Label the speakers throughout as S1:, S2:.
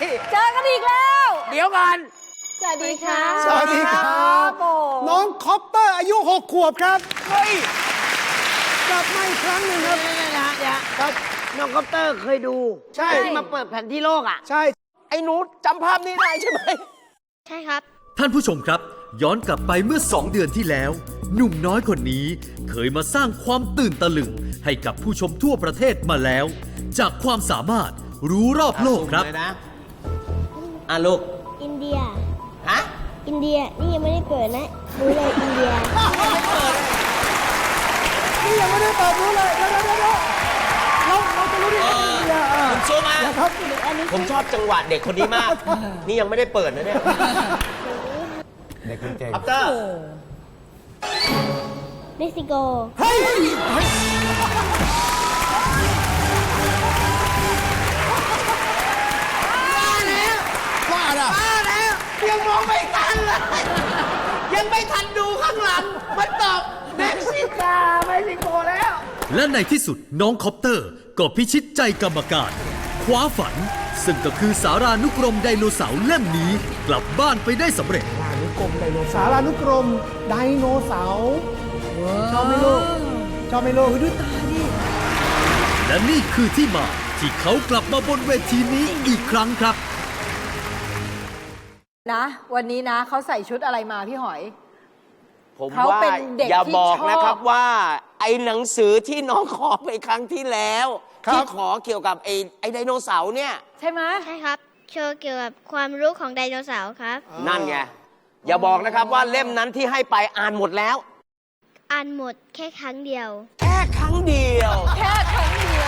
S1: เจอกันอีกแล้ว
S2: เดี๋ยวก่อน
S1: สวัสดีค่ะ
S3: สวัสดีครับ น้องคอปเตอร์อายุ 6 ขวบครับ
S2: เฮ้ย
S3: กลับมาอีกครั้งหนึ่งครับ ครับ
S4: น้องคอปเตอร์เคยดู
S3: ใช่
S4: ที่มาเปิดแผนที่โลกอ่ะ
S3: ใช่
S2: ไอ้หนูจำภาพนี้ได้ใช่ไหม
S5: ใช่ครับ
S6: ท่านผู้ชมครับ ย้อนกลับไปเมื่อ 2 เดือนที่แล้ว หนุ่มน้อยคนนี้เคยมาสร้างความตื่นตะลึงให้กับผู้ชมทั่วประเทศมาแล้ว จากความสามารถรู้รอบโลกครับ
S2: เลยนะลูก
S5: อินเดีย
S2: ฮะ
S5: อินเดีย นี่ยังไม่ได้เปิดนะรู้เลยอินเดีย
S3: นี่ยังไม่ได้ตอบรู้เลยเดี๋ยวเราจะรู้ได้ยังไงเนี่ย
S2: ผมซูมา
S3: ครับ
S2: ผมชอบจังหวะเด็กคนนี้มาก นี่ยังไม่ได้เปิดนะเนี่ย
S3: เด็กเก่ง
S2: คอปเตอร์
S5: เม็กซิโก
S3: เฮ้ยว่าแล้ว
S2: ยังมองไม่ทันเลย ยังไม่ทันดูข้างหลัง มันตอบเม็กซิโกแล้ว
S6: และในที่สุดน้องคอปเตอร์ก็พิชิตใจกรรมการคว้าฝัน ซึ่งก็คือสารานุกรมไดโนเสาร์เล่มนี้กลับบ้านไปได้สำเร็จ
S3: สารานุกรมไดโนเสาร์ชอบไหมลูกชอบไหมลูกดูตาดิ
S6: และนี่คือที่มาที่เขากลับมาบนเวทีนี้อีกครั้งครับ
S1: นะ วันนี้นะเขาใส่ชุดอะไรมาพี่หอย
S2: ผม
S1: เขา
S2: ว่า
S1: เป็นเด็ก
S2: อย่า
S1: ที่
S2: บอก
S1: ชอบ
S2: นะครับว่า ไอ้หนังสือที่น้องขอไปครั้งที่แล้ว
S3: ครับ
S2: ที่ขอเกี่ยวกับไอ้ไดโนเสาร์เนี่ย
S1: ใช่ไหม
S5: ใช่ครับ โชว์เกี่ยวกับความรู้ของไดโนเสาร์ครับ
S2: นั่นไง อย่าบอกนะครับว่าเล่มนั้นที่ให้ไปอ่านหมดแล้ว
S5: อ่านหมดแค่ครั้งเดียว
S2: แค่ครั้งเดียว
S1: แค่ครั้งเดียว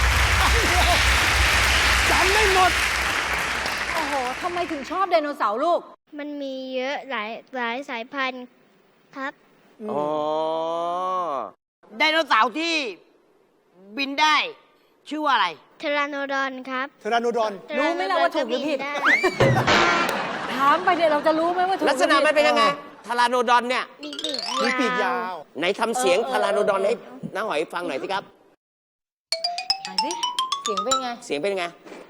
S3: จำไม่หมด
S1: โอ้โหทำไมถึงชอบไดโนเสาร์ลูก
S5: มันมีเยอะหลายสายพันธุ์ครับ
S2: อ๋อ
S4: ไดโนเสาร์ที่บินได้ ชื่อว่าอะไร
S5: เทราโนดอนครับ
S3: เทราโนดอน
S1: รู้ไหมนะว่าถูกหรือผิด
S5: ได้
S1: ถามไปเนี่ยเราจะรู้ไหมว่าถูก
S2: ลักษณะมันเป็นยังไงทาราโนดอนเนี่ย
S5: มีปีก
S3: มีปีกยาว
S2: ไหนทำเสียงทาราโนดอนให้น้าหอยฟังหน่อยสิครับ
S1: ไหนสิเสียงเป็นไง
S2: เสียงเป็นยังไง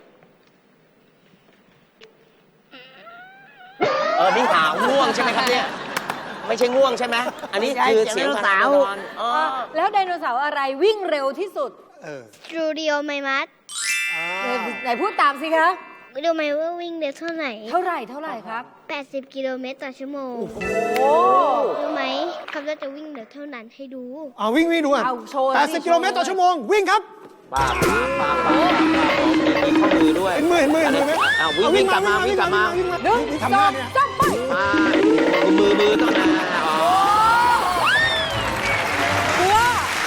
S2: นี่หาง่วงใช่ไหมครับเนี่ย ไม่ใช่ง่วงใช่ไหม อันนี้คือเสียงทาราโนดอนอ๋อ
S1: แล้วไดโนเสาร์อะไรวิ่งเร็วที่สุด
S5: สตูดิโอไมมัส
S1: ไหนพูดตามสิคะ
S5: รู้ไหมว่าวิ่งเร็วเท่าไหร่
S1: เท่าไหร่ครับ
S5: 80 กิโลเมตรต่อชั่วโมง
S1: โอ้
S5: รู้ไหมเขาจะวิ่งเร็วเท่านั้นให้ดู
S3: เอาวิ่งดูอ่ะ
S1: เอาโชว์
S3: 80 กิโลเมตรต่อชั่วโมง วิ่งครับ
S2: ป้ามีข้อมือด้วย
S3: เห็นมือไหม
S2: วิ่งกลับมาวิ่งกลับมา
S1: หนึ่ง
S3: ทำ
S1: ส
S3: ห
S1: อ
S3: น้าง เนี่ย
S1: สามไป
S2: มือต้องนะอ๋อก
S1: ลัว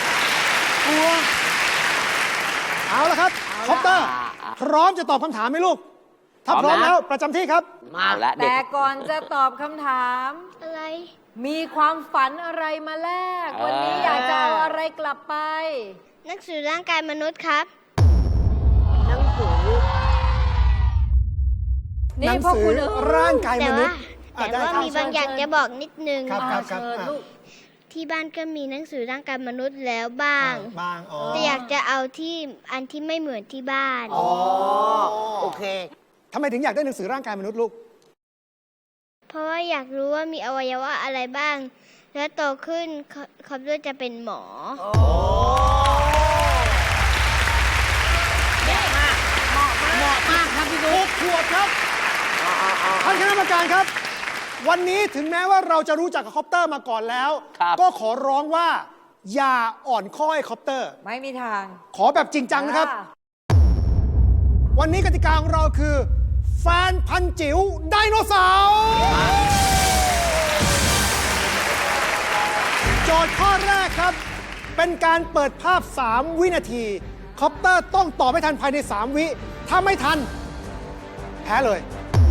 S3: เอาละครับคอปเตอร์ พร้อมจะตอบคำถามไหมลูก ถ้าพร้อมแล้วประจำที่ครับ
S2: มาแล้วเด็ก
S1: แต่ก่อนจะตอบคำถาม
S5: อะไร
S1: มีความฝันอะไรมาแลก วันนี้อยากจะเอาอะไรกลับไป
S5: หนังสือร่างกายมนุษย์ครับ
S4: หนังสือ
S3: ห
S1: นี่
S3: นัง
S1: พ่อ
S3: สื
S1: คุ
S3: อ
S1: ณเอ๋ย
S3: ร่างกาย
S5: แต่
S3: มนุษ
S5: ว่า
S3: ย์
S5: แต่ว่ามีบางอย่างจะบอกนิดนึง
S3: ครับ
S1: เชิญลูก
S5: ที่บ้านก็มีหนังสือร่างกายมนุษย์แล้วบ้าง
S3: บางอ๋อ
S5: แต่อยากจะเอาที่อันที่ไม่เหมือนที่บ้าน
S3: อ๋อ
S4: โอเค
S3: ทำไมถึงอยากได้หนังสือร่างกายมนุษย์ลูก
S5: เพราะว่าอยากรู้ว่ามีอวัยวะอะไรบ้าง แล้วโตขึ้นเขาด้วยจะเป็นหมอ
S4: เหมาะมากครับพี่นุ๊ก
S3: 6 ขวบครับท่านคณะกรรมการครับ วันนี้ถึงแม้ว่าเราจะรู้จักกับคอปเตอร์มาก่อนแล้ว
S2: ครับ
S3: ก็ขอร้องว่า อย่าอ่อนข้อให้คอปเตอร์
S1: ไม่มีทาง
S3: ขอแบบจริงจังนะครับ วันนี้กติกาของเราคือ แฟนพันธุ์จิ๋วไดโนเสาร์โจทย์ข้อแรกครับ เป็นการเปิดภาพ 3 วินาที คอปเตอร์ต้องตอบให้ทันภายใน 3 วิ ถ้าไม่ทัน แพ้เลย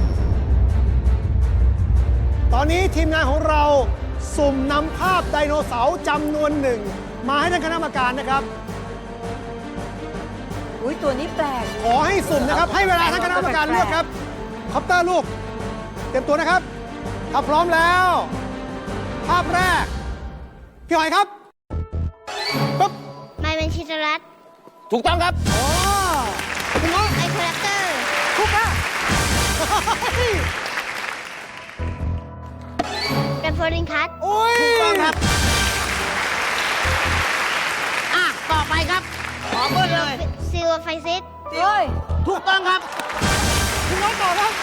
S3: ตอนนี้ทีมงานของเราสุ่มนำภาพไดโนเสาร์จำนวนหนึ่ง มาให้ท่านคณะกรรมการนะครับ
S1: อุ้ยตัวนี้แปลก
S3: ขอให้สุ่มนะครับ ให้เวลาท่านคณะกรรมการเลือกครับ คอปเตอร์ลูก เตรียมตัวนะครับ ถ้าพร้อมแล้ว ภาพแรก พี่หอยครับปึ๊บ
S5: ไม่เป็นชิตรัต
S2: ถูกต้องครับ
S3: อ๋อคุณน้อง
S5: ไอคอลเลกเตอร์
S3: ทุกค่ะ
S5: แกรนโฟลินคัส
S3: โอ้ย
S4: ถูกต้องครับ ต่อไปครับ ขอเบิ้ลเลย
S5: ซิลไฟซิส
S1: เฮ้ย
S4: ถูกต้องครับ
S3: คุณน้องต่อครับ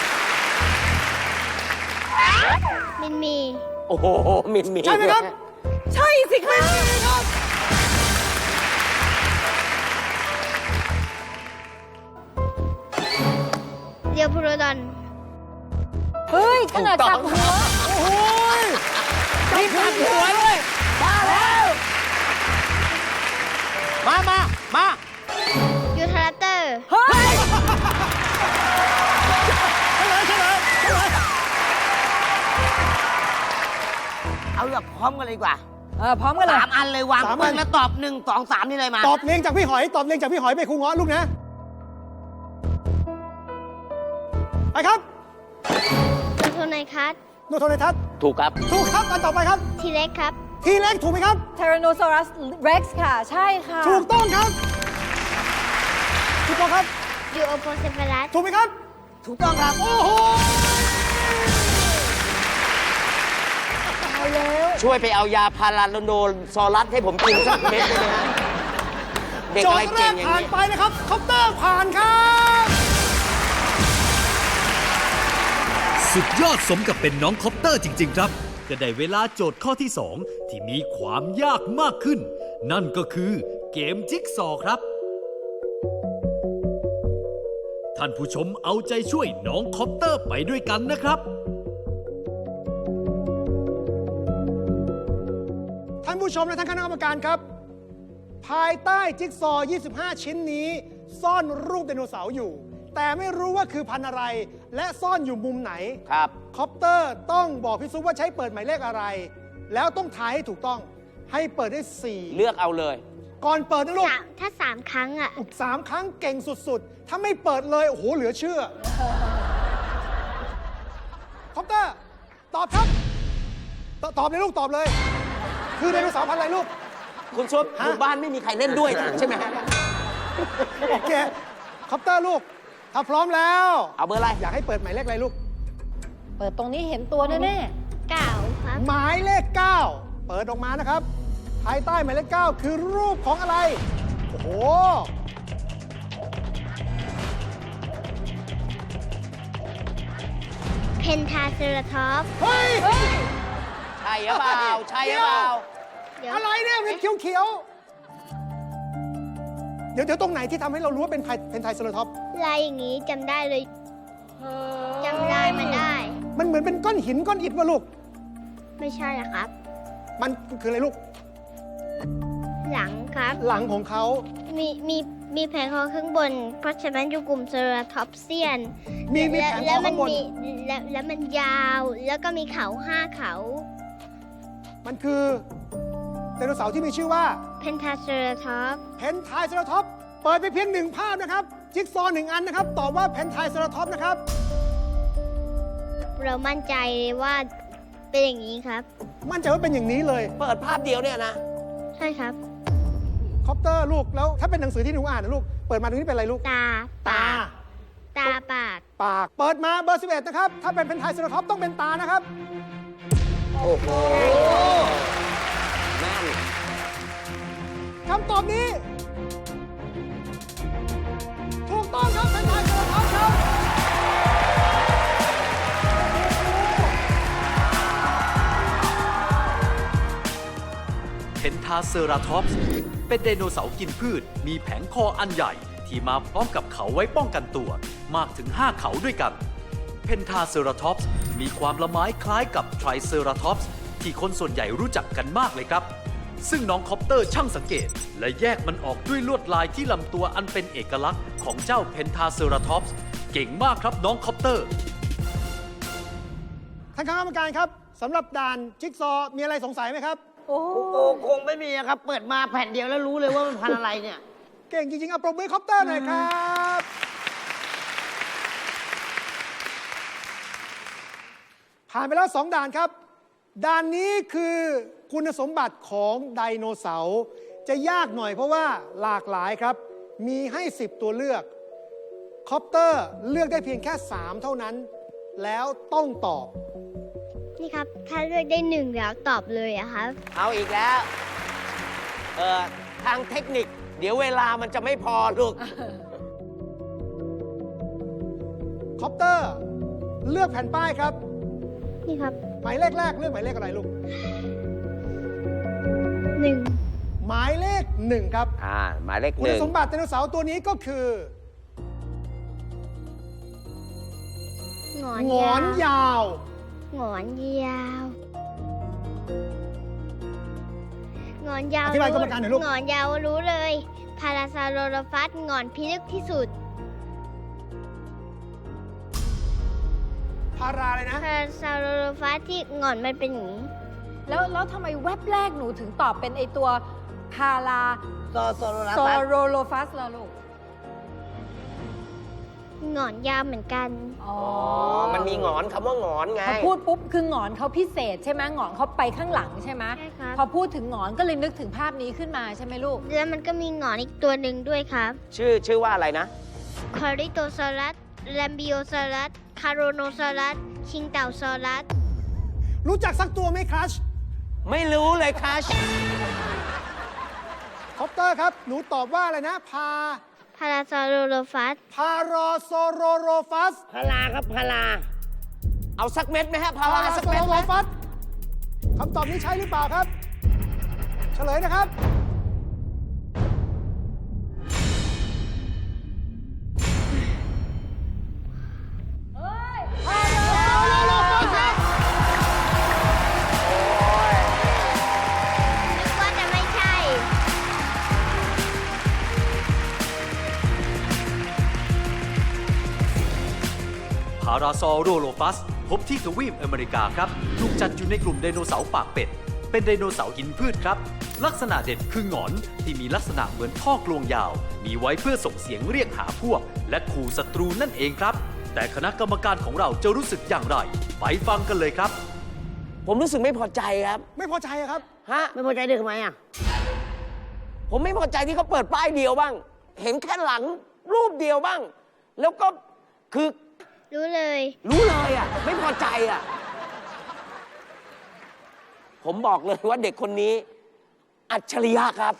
S5: มินมี
S4: โอ้โห มินมี
S3: ใช่ไหมครับ
S1: ใช่สิคะ
S5: เรียวพูโรดอน
S1: เฮ้ย ขนาดจับหัว
S3: โอ้โหย
S4: มีผักหัวด้วยมาแล้ว มา
S5: ยูทารัปเตอร์
S1: เฮ้ย
S3: เฉลย
S4: เอาแบบพร้อมกันเลยดีกว่า
S1: พร้อมกันเลย
S4: 3 อันเลยวางปึ้งแล้วตอบ 1 2 3 นี่เลยมา
S3: ตอบเลี้ยงจากพี่หอย ตอบเลี้ยงจากพี่หอยไปครูเงาะลูกนะ ไปครับ
S5: โทไนคัส
S3: โนโทเนทัศน์
S4: ถูกครับ
S3: ถูกครับอันต่อไปครับ
S5: ทีเล็กครับ
S3: ทีเล็กถูกไหมครับ
S1: Tyrannosaurus Rex ค่ะ ใช่ค่ะ
S3: ถูกต้องครับ ถูกต้องครับ
S5: ยูโอโพเซฟาลัส
S3: ถูกไหมครับ
S4: ถูกต้องครับ
S3: โอ้โห
S1: เอาแล้ว
S4: ช่วยไปเอายาพาราโลโนซอรัสให้ผมกินสักเม็ดได้ไหมฮะเด็ก
S3: โจ
S4: อะไร
S3: ทย์แร
S4: เก่ง
S3: ก
S4: อย่าง
S3: ผ่าน
S4: นี้
S3: ไปนะครับคอปเตอร์ผ่านครับ
S6: สุดยอดสมกับเป็นน้องคอปเตอร์จริง ๆ ครับ ก็ได้เวลาโจทย์ข้อที่ 2 ที่มีความยากมากขึ้น นั่นก็คือเกมจิ๊กซอว์ครับ ท่านผู้ชมเอาใจช่วยน้องคอปเตอร์ไปด้วยกันนะครับ
S3: ท่านผู้ชมและท่านคณะกรรมการครับ ภายใต้จิ๊กซอว์ 25 ชิ้นนี้ ซ่อนรูปไดโนเสาร์อยู่ แต่ไม่รู้ว่าคือพันธุ์อะไร และซ่อนอยู่มุมไหน
S4: ครับ
S3: คอปเตอร์ต้องบอกพี่ซุปว่าใช้เปิดหมายเลขอะไร แล้วต้องทายให้ถูกต้อง ให้เปิดได้
S4: เลือกเอาเลย
S3: 4 ก่อนเปิดนะลูก
S5: ถ้า3 ครั้งอ่ะ
S3: 3 ครั้งเก่งสุดๆ ถ้าไม่เปิดเลย โอ้โห เหลือเชื่อ คอปเตอร์ ตอบครับตอบเลยลูก ตอบเลย คือไดโนเสาร์พันธุ์อะไรลูก
S4: คุณซุปหมู่บ้านไม่มีใครเล่นด้วยใช่ไหมฮะ
S3: โอเค คอปเตอร์ลูก ถ้าพร้อมแล้ว
S4: เอาเบอร์อะไร
S3: อยากให้เปิดหมายเลขอะไรลูก
S1: เปิดตรงนี้เห็นตัวแน่
S5: 9 ครับ
S3: หมายเลข 9 เปิดออกมานะครับ ภายใต้หมายเลข 9 คือรูปของอะไร โอ้โห
S5: เพนทาเซราทอปส์
S3: เฮ้ย
S4: ใช่หรือเปล่า ใช่หรือเปล่า
S5: เดี๋ยว
S3: อะไรเนี่ยเป็นเขียวๆ เดี๋ยวตรงไหนที่ทำให้เรารู้ว่าเป็นไทรเซอราท็อปส์
S5: ลายอย่างนี้จำได้เลย
S1: ๆ
S5: จำได้มันได้
S3: มันเหมือนเป็นก้อนหินก้อนอิฐวะลูก
S5: ไม่ใช่หรอครับ
S3: มันคืออะไรลูก
S5: หลังครับ
S3: หลังของเขา
S5: มีแผงคอข้างบน เพราะฉะนั้นอยู่กลุ่มเซราทอปเซียน
S3: มีแผงค
S5: แล้
S3: อ
S5: วมั
S3: ข้างบน
S5: แล้วมันยาว แล้วก็มีเขา5 เขา
S3: มันคือไดโนเสาร์ที่มีชื่อว่า
S5: เพนทาเซราทอปส์
S3: เพนไทรเซอราท็อปส์เปิดไปเพียงหนึ่งภาพนะครับ จิ๊กซอว์1 อันนะครับ ตอบว่าเพนไทรเซอราท็อปส์นะครับ
S5: เรามั่นใจว่าเป็นอย่างนี้ครับ
S3: มั่นใจว่าเป็นอย่างนี้เลย
S4: เปิดภาพเดียวเนี่ยนะ
S5: ใช่ครับ
S3: คอปเตอร์ลูก แล้วถ้าเป็นหนังสือที่หนูอ่านนะลูก เปิดมาตรงนี้เป็นอะไรลูก
S5: ตา
S3: ตา
S5: ตาปาก
S3: ปาก เปิดมาเบอร์ 11 นะครับ ถ้าเป็นเพนไทรเซอราท็อปส์ต้องเป็นตานะครับ
S4: โอ้โหแม่น
S3: คำตอบนี้ ถูกต้องครับเพนไทรเซอราท็อปส์ครับ
S6: เพนทาเซอราทอปส์เป็นไดโนเสาร์กินพืช มีแผงคออันใหญ่ ที่มาพร้อมกับเขาไว้ป้องกันตัว มากถึง 5 เขาด้วยกัน เพนทาเซอราทอปส์มีความละไม้คล้ายกับไทรเซอราทอปส์ที่คนส่วนใหญ่รู้จักกันมากเลยครับ ซึ่งน้องคอปเตอร์ช่างสังเกต และแยกมันออกด้วยลวดลายที่ลำตัวอันเป็นเอกลักษณ์ของเจ้าเพนทาเซอราทอปส์เก่งมากครับน้องคอปเตอร์
S3: ท่านคณะกรรมการครับสำหรับด่านจิ๊กซอว์มีอะไรสงสัยไหมครับ
S1: โอ้
S4: โอ้คงไม่มีอะครับ เปิดมาแผ่นเดียวแล้วรู้เลยว่ามันพันอะไรเนี่ย
S3: เก่งจริงๆเอาปรบมือคอปเตอร์หน่อยครับ ผ่านไปแล้ว 2 ด่านครับ ด่านนี้คือคุณสมบัติของไดโนเสาร์จะยากหน่อยเพราะว่าหลากหลายครับ มีให้ 10 ตัวเลือกคอปเตอร์เลือกได้เพียงแค่ 3 เท่านั้น แล้วต้องตอบ
S5: นี่ครับ ถ้าเลือกได้1แล้วตอบเลยอะครับ
S2: เอาอีกแล้ว ทางเทคนิค เดี๋ยวเวลามันจะไม่พอลูก
S3: คอปเตอร์เลือกแผ่นป้ายครับ
S5: นี่ครับ
S3: หมายเลขแรกเลือกหมายเลขอะไรลูก
S5: 1
S3: หมายเลข 1 ครับ
S2: หมายเลข
S3: คุณสมบัติไดโนเสาร์ตัวนี้ก็คือ
S5: หงอน
S3: หงอนยาว
S5: หงอนยาวหงอนยาว
S3: อธิบายกรรมการหน่อยลูก
S5: หงอนยาวรู้เลยพาราซาโลโรฟัสหงอนพิลึกที่สุด
S3: พาราเลยนะ
S5: พาราซาโลโรฟัสที่หงอนมันเป็นอย่างนี้
S1: แล้วทำไมแว็บแรกหนูถึงตอบเป็นไอตัวพารา
S4: โซโลลา
S1: โซ
S4: ฟัส
S1: โรโลฟัสล่ะลูก
S5: หงอนยาวเหมือนกัน
S1: อ๋อ
S2: มันมีหงอนคำว่าหงอนไง
S1: พอพูดปุ๊บคือหงอนเขาพิเศษใช่ไหมหงอนเขาไปข้างหลังใช่ไหม
S5: ใช่ครับ
S1: พอพูดถึงหงอนก็เลยนึกถึงภาพนี้ขึ้นมาใช่ไหมลูก
S5: แล้วมันก็มีหงอนอีกตัวหนึ่งด้วยครับ
S2: ชื่อว่าอะไรนะ
S5: คอริโตซอรัสแลมบิโอซอรัสคาโรโนซอรัสชิงเต่าซอรัส
S3: รู้จักสักตัวไหมครัช
S2: ไม่รู้เลยคัช
S3: คอปเตอร์ครับ หนูตอบว่าอะไรนะ
S5: พาราซาโลโรฟัส
S3: พารอโซโรโรฟัส
S4: พาราครับพารา
S2: เอาสักเม็ดไหมฮะพา
S3: พา
S2: รา
S3: รา
S2: สัก
S3: โซ
S2: เม็ด
S3: โร
S2: ไหม
S3: โรฟัสคำตอบนี้ใช่หรือเปล่าครับ เฉลยนะครับ
S5: นึกว่าจะไม่ใช่
S6: พาราซอโรโลฟัสพบที่ทวีปอเมริกาครับ ถูกจัดอยู่ในกลุ่มไดโนเสาร์ปากเป็ด เป็นไดโนเสาร์กินพืชครับ ลักษณะเด่นคือหงอนที่มีลักษณะเหมือนท่อกลวงยาว มีไว้เพื่อส่งเสียงเรียกหาพวก และขู่ศัตรูนั่นเองครับ แต่คณะกรรมการของเราจะรู้สึกอย่างไร ไปฟังกันเลยครับ
S2: ผมรู้สึกไม่พอใจครับ
S3: ไม่พอใจอะครับ
S2: ฮะ
S4: ไม่พอใจด้วยทำไมอ่ะ
S2: ผมไม่พอใจที่เขาเปิดป้ายเดียวบ้าง เห็นแค่หลังรูปเดียวบ้าง แล้วก็คือ
S5: รู้เลย
S2: รู้เลยอ่ะ ไม่พอใจอ่ะ ผมบอกเลยว่าเด็กคนนี้ อัจฉริยะครับ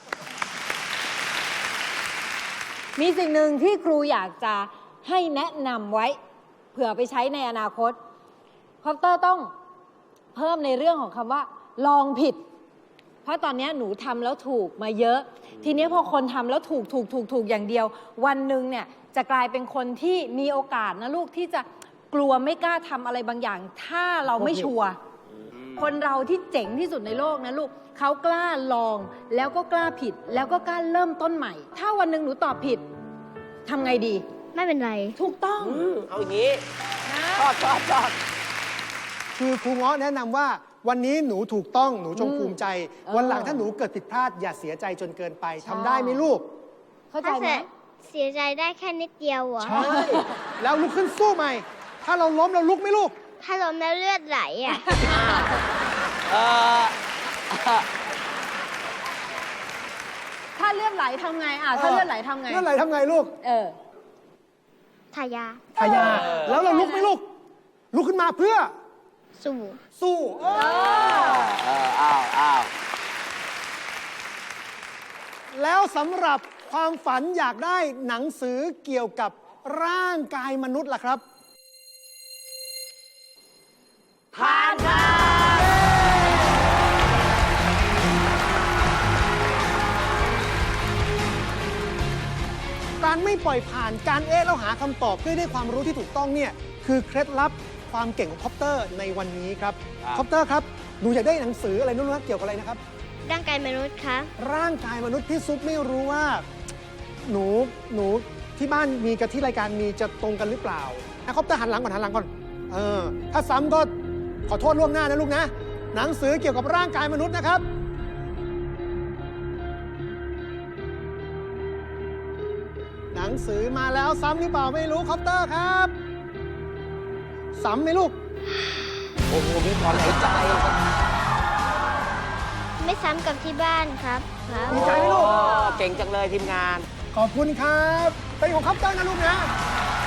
S1: มีสิ่งหนึ่งที่ครูอยากจะให้แนะนำไว้ เผื่อไปใช้ในอนาคตคอปเตอร์ต้องเพิ่มในเรื่องของคำว่า ลองผิด เพราะตอนนี้หนูทำแล้วถูกมาเยอะ ทีนี้พอคนทำแล้วถูกอย่างเดียว วันหนึ่งเนี่ยจะกลายเป็นคนที่มีโอกาสนะลูกที่จะกลัวไม่กล้าทำอะไรบางอย่าง ถ้าเราไม่ชัวร์คนเราที่เจ๋งที่สุดในโลกนะลูกเขากล้าลองแล้วก็กล้าผิด แล้วก็กล้าเริ่มต้นใหม่ ถ้าวันหนึ่งหนูตอบผิดทำไงดี
S5: ไม่เป็นไร
S1: ถูกต้อง
S2: เอาอย่างนี้
S1: นะ
S2: ชอบ
S3: คือครูเงาะแนะนำว่าวันนี้หนูถูกต้องหนูจงภูมิใจ วันหลัง
S1: เออ
S3: ถ้าหนูเกิดผิดพลาดอย่าเสียใจจนเกินไปทำได้ไหมลูก
S1: เข้าใจ
S5: ถ้า
S1: ไหม
S5: เสียใจได้แค่นิดเดียวเหรอ
S3: ใช่ แล้วลุกขึ้นสู้ใหม่ ถ้าเราล้มเราลุกไหมลูก
S5: ถ้าล้มแล้วเลือดไหลอ่ะ
S1: ถ้าเลือดไหลทำไงถ้าเลือดไหลทำไง
S3: เลื่อนไหลทำไงลูก
S5: ทายา
S3: ทายาแล้วเราลุกไหมลูก ลุกขึ้นมาเพื่อ
S5: สู่
S3: สู้เออ
S2: อ้าว
S3: แล้วสำหรับความฝันอยากได้หนังสือเกี่ยวกับร่างกายมนุษย์ล่ะครับ
S2: ผ่านครับ
S3: การไม่ปล่อยผ่านการแล้วหาคำตอบเพื่อได้ความรู้ที่ถูกต้องเนี่ยคือเคล็ดลับความเก่งของคอปเตอร์ในวันนี้ครับคอปเตอร์ครับหนูอยากได้หนังสืออะไรนู้นเกี่ยวกับอะไรนะครับ
S5: ร่างกายมนุษย์คะ
S3: ร่างกายมนุษย์พี่ซุปไม่รู้ว่า หนูที่บ้านมีกับที่รายการมีจะตรงกันหรือเปล่าคอปเตอร์หันหลังก่อนถ้าซ้ำก็ขอโทษล่วงหน้านะลูกนะ หนังสือเกี่ยวกับร่างกายมนุษย์นะครับ หนังสือมาแล้วซ้ำหรือเปล่าไม่รู้คอปเตอร์ครับซ้ำไหมลูก
S2: โอ้โห มีถอนหายใจ
S5: ไม่ซ้ำกับที่บ้านครับ
S3: ดีใจไหมลูก
S2: เก่งจังเลยทีมงาน
S3: ขอบคุณครับเป็นของคอปเตอร์นะลูกนะ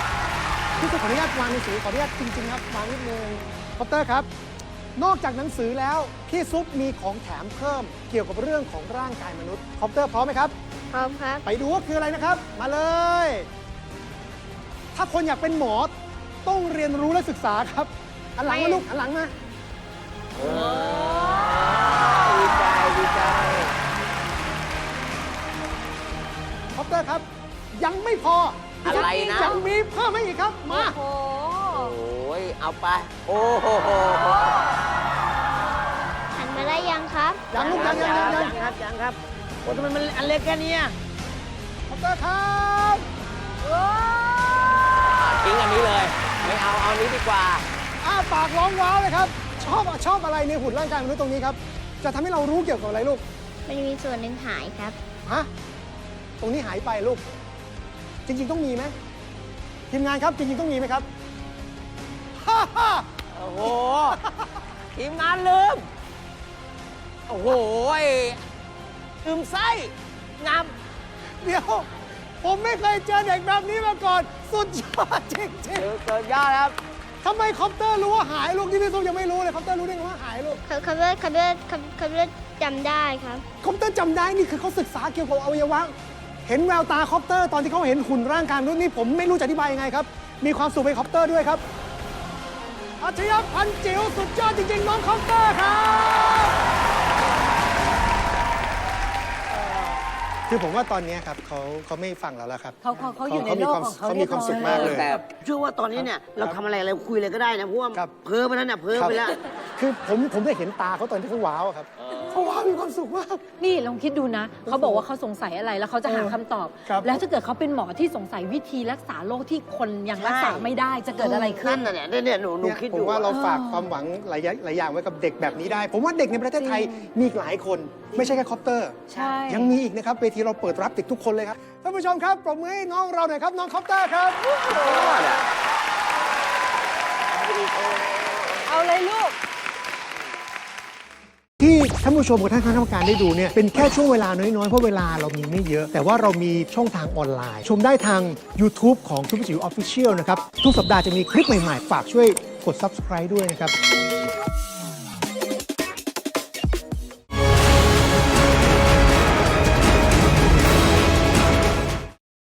S3: พี่จะขออนุญาตวางหนังสือขออนุญาตจริงๆครับวางนิดนึงคอปเตอร์ครับ นอกจากหนังสือแล้วพี่ซุปมีของแถมเพิ่มเกี่ยวกับเรื่องของร่างกายมนุษย์คอปเตอร์พร้อมไหมครับ
S5: พร้อมครับ
S3: ไปดูว่าคืออะไรนะครับ มาเลย ถ้าคนอยากเป็นหมอต้องเรียนรู้และศึกษาครับหันหลังมาลูกหันหลังมา
S2: ดีใจดีใจ
S3: คอปเตอร์ครับ ยังไม่พอ
S2: อะไรนะ
S3: ยังมีเพิ่มให้อีกครับ มา
S1: โอ้โห
S2: โอ้ยเอาไป โอ้โห
S5: หันมาได้ยังครับ
S3: ยังลูกยัง
S4: ครับยังครับโอ้ทำไมมันอันเล็กแค่เนี้ย
S3: คอปเตอร์ครับ
S2: ทิ้งอันนี้เลย ไม่เอาเอานี้ดีกว่า
S3: อ้าปากร้องว้าวเลยครับ ชอบอะไรในหุ่นร่างกายมนุษย์ตรงนี้ครับ จะทำให้เรารู้เกี่ยวกับอะไรลูก
S5: มันมีส่วนหนึ่งหายครับ
S3: ฮะ ตรงนี้หายไปลูก จริง ๆ ต้องมีไหมทีมงานครับ จริง ๆ ต้องมีไหมครับ ฮ่าฮ่า
S2: โอ้โห ทีมงานลืม โอ้โหลืมไส้งาม
S3: เดี๋ยว ผมไม่เคยเจอเด็กแบบนี้มาก่อน สุดยอดจริง
S2: เกิดยอดครับ
S3: ๆทำไมคอปเตอร์รู้ว่าหายลูกที่พี่ซุปยังไม่รู้เลยคอปเตอร์รู้ได้ไงว่าหายลูก
S5: คำว่าจำได้ครับ
S3: คอปเตอร์จำได้นี่คือเขาศึกษาเกี่ยวกับอวัยวะ เห็นแววตาคอปเตอร์ตอนที่เขาเห็นหุ่นร่างกายมนุษย์นี่ผมไม่รู้จะอธิบายยังไงครับ มีความสุขไปคอปเตอร์ด้วยครับอัจฉริยะพันจิ๋วสุดยอดจริงๆน้องคอปเตอร์ครับคือผมว่าตอนนี้ครับเขาไม่ฟังเราแล้วครับ
S1: เขาอยู่ในโลกของเขา
S3: เขามีความสุขมากเลย
S4: แต่เชื่อว่าตอนนี้เนี่ยเราทำอะไรคุยอะไรก็ได้นะเพราะว่า
S3: ครับ
S4: เพ้อไปแล้วเนี่ยเพ้อไปแล้ว
S3: คือผมได้เห็นตาเขาตอนที่เขาว้าวอะครับเขาว้าวมีความสุขมาก
S1: นี่ลองคิดดูนะ เขาบอกว่าเขาสงสัยอะไรแล้วเขาจะหาคำตอบ
S3: ครับ
S1: แล้วถ้าเกิดเขาเป็นหมอที่สงสัยวิธีรักษาโรคที่คนยังรักษาไม่ได้จะเกิดอะไรขึ้
S4: นั่
S1: น
S4: นน่ะเนี่ยหนู
S3: เนี่ย
S4: คิด
S3: ผ
S4: อยู่
S3: มว่าเราฝากความหวังหลายอย่างไว้กับเด็กแบบนี้ได้ ผมว่าเด็กในประเทศไทยมีอีกหลายคน ไม่ใช่แค่คอปเตอร์
S1: ใช่
S3: ยังมีอีกนะครับเวทีเราเปิดรับเด็กทุกคนเลยครับท่านผู้ชมครับปรบมือให้น้องเราหน่อยครับน้องคอปเตอร์ครับ
S1: เอาเลยลูก
S3: ที่ท่านผู้ชมกับท่านคณะกรรมการได้ดูเนี่ยเป็นแค่ช่วงเวลาน้อยๆเพราะเวลาเรามีไม่เยอะ แต่ว่าเรามีช่องทางออนไลน์ ชมได้ทาง YouTube ของทุกจิ๋ว Official นะครับทุกสัปดาห์จะมีคลิปใหม่ๆฝากช่วยกด Subscribe ด้วยนะครับ